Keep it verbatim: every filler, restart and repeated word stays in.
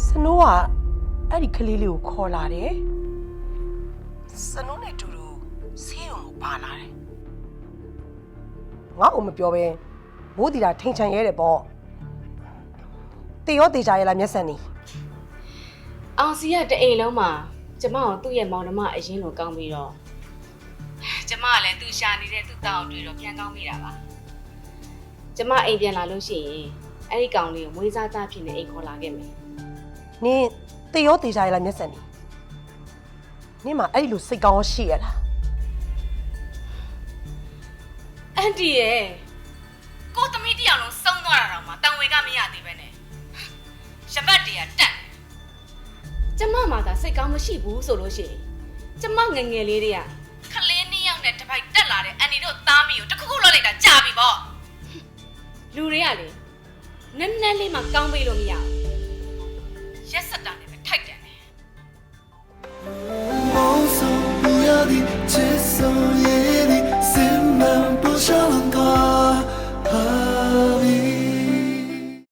စနိုးကအဲ့ဒီကလေးလေးကိုခေါ်လာတယ်စနိုးနဲ့တူတူဆေးရုံကိုပါလာတယ်ငါ့ကိုမပြောဘဲမိုးတီတာထိန်ချန်ရဲတယ်ပေါ့တေရောတေချာရဲလားမျက်စံနေအောင်စီကတအိမ်လုံးမှာကျမကိုသူ့ရဲ့မောင်နှမအရင်လိုကောင်းပြီးတော့ကျမကလည်းသူ့ရှာနေတဲ့သူ့တောင်းတွေ့တော့ပြန်ကောင်းမိတာပါကျမအိမ်ပြန်လာလို့ရှိရင်အဲ့ဒီကောင်လေးကိုမွေးစားသားဖြစ်နေအိမ်ခေါ်လာခဲ့မယ်နင်တေရောတေချာရဲလားမျက်စံနေနင်မအဲ့ဒီလိုစိတ်ကောင်းရှိရလားအန်တီရဲ့ကိုသမီးတယောက်လုံးစုံသွားတာတော့မှတန်ဝေကမရသေးပဲနဲ့ရပတ်တည်းကတက်ကျမမှသာစိတ်ကောင်းမရှိဘူးဆိုလို့ရှိရင်ကျမငငယ်လေးတွေကခလေးနှစ်ယောက်နဲ့တစ်ပိုက်တက်လာတဲ့အန်တီတို့သားမီးကိုတခုခုလောက်လိုက်တာကြာပြီပေါ့လူတွေကလေနည်းနည်းလေးမှကောင်းပေးလို့မရဘူးရက်စက်တာနဲ့ပဲထိုက်တယ်